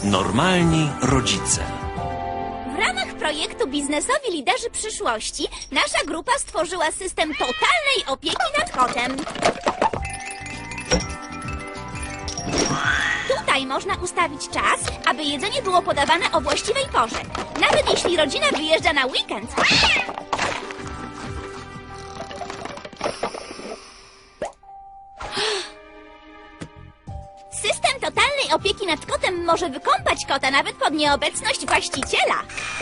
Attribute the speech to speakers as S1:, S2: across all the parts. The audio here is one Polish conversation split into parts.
S1: Normalni rodzice.
S2: W ramach projektu Biznesowi Liderzy Przyszłości nasza grupa stworzyła system totalnej opieki nad kotem. Tutaj można ustawić czas, aby jedzenie było podawane o właściwej porze, nawet jeśli rodzina wyjeżdża na weekend. System totalnej opieki nad kotem może wykąpać kota nawet pod nieobecność właściciela.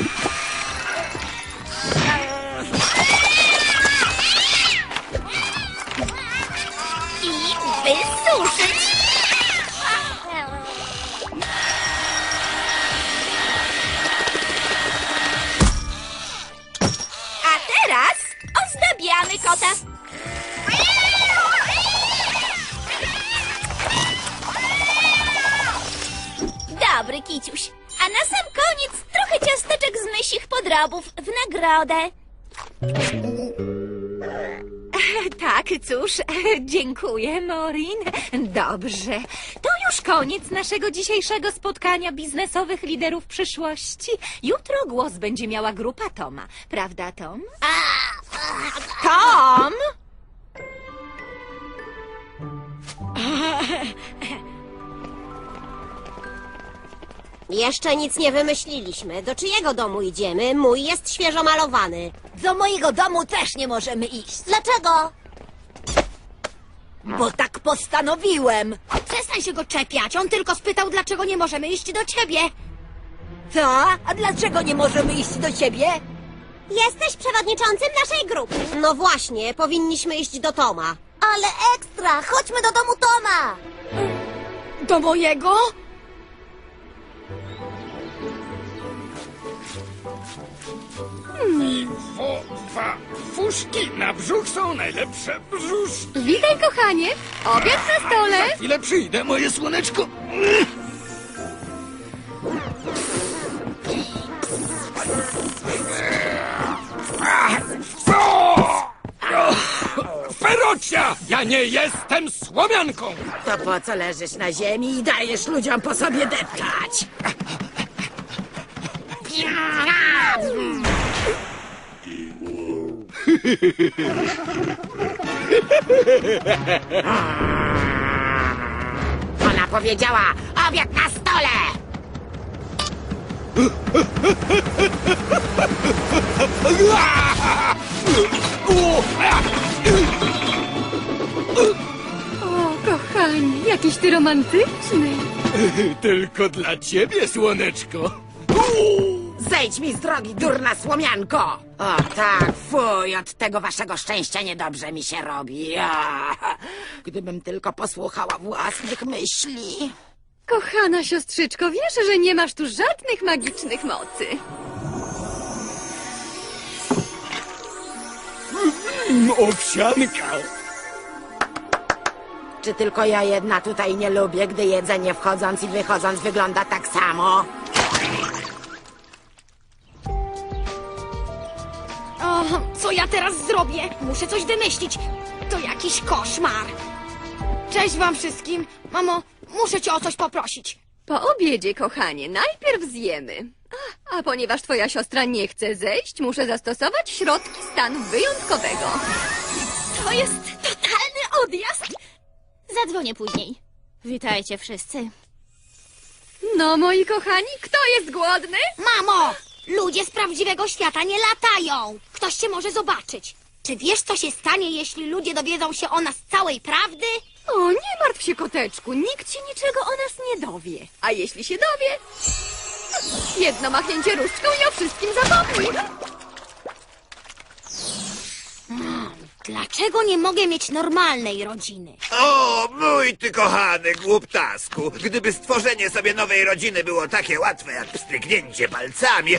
S2: I wysuszyć. A teraz ozdabiamy kota. Dobry kiciuś. A na sam koniec trochę ciasteczek z mysich podrobów w nagrodę.
S3: Tak, cóż, dziękuję, Maureen. Dobrze, to już koniec naszego dzisiejszego spotkania biznesowych liderów przyszłości. Jutro głos będzie miała grupa Toma. Prawda, Tom? Tom!
S4: Jeszcze nic nie wymyśliliśmy. Do czyjego domu idziemy? Mój jest świeżo malowany.
S5: Do mojego domu też nie możemy iść.
S4: Dlaczego?
S5: Bo tak postanowiłem.
S4: Przestań się go czepiać. On tylko spytał, dlaczego nie możemy iść do ciebie.
S5: Co? A dlaczego nie możemy iść do ciebie?
S4: Jesteś przewodniczącym naszej grupy. No właśnie, powinniśmy iść do Toma.
S5: Ale ekstra! Chodźmy do domu Toma!
S4: Do mojego?
S6: Fuszki na brzuch są najlepsze brzuszki.
S3: Witaj, kochanie! Obiad na stole!
S6: Za chwilę przyjdę, moje słoneczko. Ferocia! Ja nie jestem słomianką!
S5: To po co leżysz na ziemi i dajesz ludziom po sobie deptać?
S4: Ona powiedziała, obiad na stole!
S3: O, kochanie, jakiś ty romantyczny.
S6: Tylko dla ciebie, słoneczko.
S5: Zejdź mi z drogi, durna słomianko! O tak, fuj, od tego waszego szczęścia niedobrze mi się robi. Gdybym tylko posłuchała własnych myśli.
S3: Kochana siostrzyczko, wiesz, że nie masz tu żadnych magicznych mocy.
S6: Owsianka.
S5: Czy tylko ja jedna tutaj nie lubię, gdy jedzenie wchodząc i wychodząc wygląda tak samo?
S4: O, co ja teraz zrobię? Muszę coś wymyślić. To jakiś koszmar. Cześć wam wszystkim. Mamo, muszę cię o coś poprosić.
S3: Po obiedzie, kochanie, najpierw zjemy. A ponieważ twoja siostra nie chce zejść, muszę zastosować środki stanu wyjątkowego.
S2: To jest totalny odjazd. Zadzwonię później. Witajcie wszyscy.
S3: No, moi kochani, kto jest głodny?
S4: Mamo! Ludzie z prawdziwego świata nie latają. Ktoś cię może zobaczyć. Czy wiesz, co się stanie, jeśli ludzie dowiedzą się o nas całej prawdy?
S3: O, nie martw się, koteczku, nikt się niczego o nas nie dowie. A jeśli się dowie, jedno machnięcie różdżką i o wszystkim zapomni.
S4: Dlaczego nie mogę mieć normalnej rodziny?
S7: O, mój ty kochany głuptasku! Gdyby stworzenie sobie nowej rodziny było takie łatwe jak pstryknięcie palcami.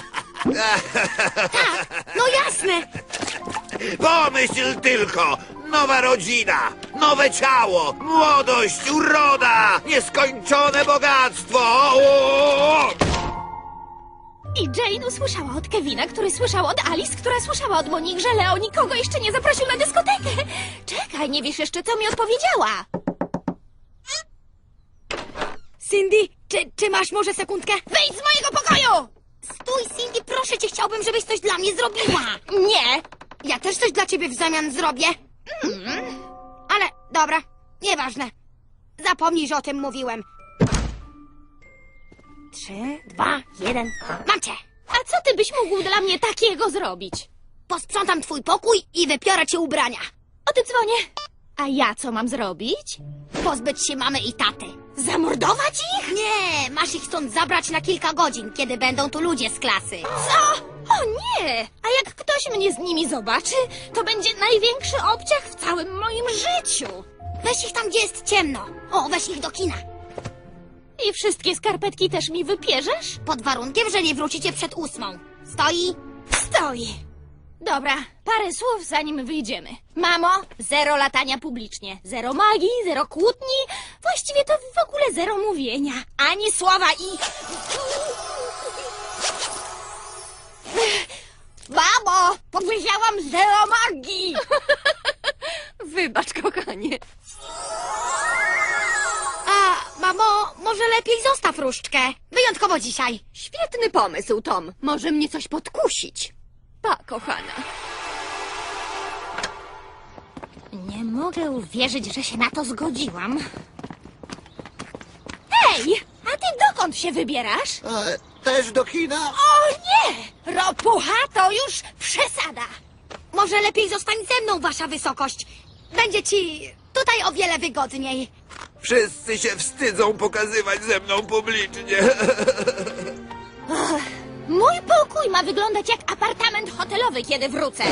S4: No jasne!
S7: Pomyśl tylko! Nowa rodzina, nowe ciało, młodość, uroda, nieskończone bogactwo! O!
S2: I Jane usłyszała od Kevina, który słyszał od Alice, która słyszała od Monique, że Leo nikogo jeszcze nie zaprosił na dyskotekę. Czekaj, nie wiesz jeszcze, co mi odpowiedziała.
S4: Cindy, Czy masz może sekundkę?
S2: Wyjdź z mojego pokoju!
S4: Stój, Cindy, proszę cię, chciałbym, żebyś coś dla mnie zrobiła.
S2: Nie!
S4: Ja też coś dla ciebie w zamian zrobię. Ale dobra, nieważne. Zapomnij, że o tym mówiłem. 3, 2, 1. Mam cię!
S2: A co ty byś mógł dla mnie takiego zrobić?
S4: Posprzątam twój pokój i wypiorę ci ubrania.
S2: O tym dzwonię. A ja co mam zrobić?
S4: Pozbyć się mamy i taty.
S2: Zamordować ich?
S4: Nie, masz ich stąd zabrać na kilka godzin, kiedy będą tu ludzie z klasy.
S2: Co? O nie! A jak ktoś mnie z nimi zobaczy, to będzie największy obciach w całym moim życiu.
S4: Weź ich tam, gdzie jest ciemno. O, weź ich do kina.
S2: I wszystkie skarpetki też mi wypierzesz?
S4: Pod warunkiem, że nie wrócicie przed 8. Stoi?
S2: Stoi. Dobra, parę słów zanim wyjdziemy. Mamo, zero latania publicznie. Zero magii, zero kłótni. Właściwie to w ogóle zero mówienia. Ani słowa i... Mamo, powiedziałam zero magii.
S3: Wybacz, kochanie.
S4: A, mamo, może lepiej zostaw różdżkę. Wyjątkowo dzisiaj.
S3: Świetny pomysł, Tom. Może mnie coś podkusić. Pa, kochana.
S2: Nie mogę uwierzyć, że się na to zgodziłam. Hej, a ty dokąd się wybierasz?
S7: Też do kina?
S2: O nie! Ropucha to już przesada.
S4: Może lepiej zostań ze mną, wasza wysokość. Będzie ci tutaj o wiele wygodniej.
S7: Wszyscy się wstydzą pokazywać ze mną publicznie.
S2: Mój pokój ma wyglądać jak apartament hotelowy, kiedy wrócę.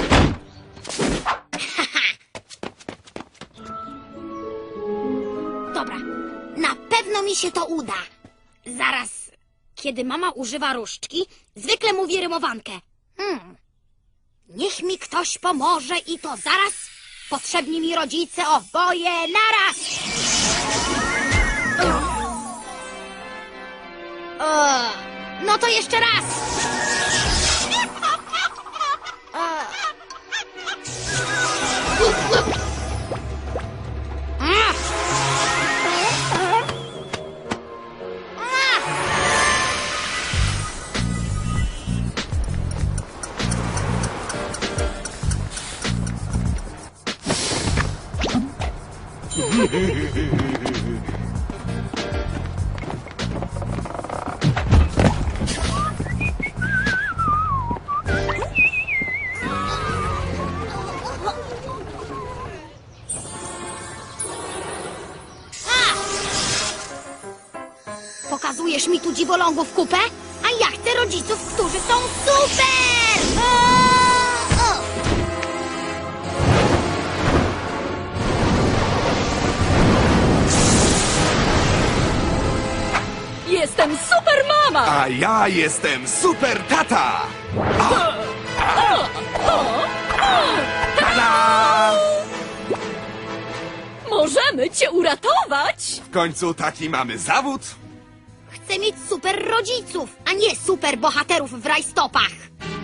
S4: Dobra, na pewno mi się to uda. Zaraz, kiedy mama używa różdżki, zwykle mówi rymowankę. Niech mi ktoś pomoże i to zaraz. Potrzebni mi rodzice oboje naraz. No to jeszcze raz. Pokazujesz mi tu dziwolągów kupę? A ja chcę rodziców, którzy są super!
S3: Jestem super mama!
S6: A ja jestem super tata! Tada!
S3: Możemy cię uratować!
S6: W końcu taki mamy zawód.
S4: Chcę mieć super rodziców, a nie super bohaterów w rajstopach.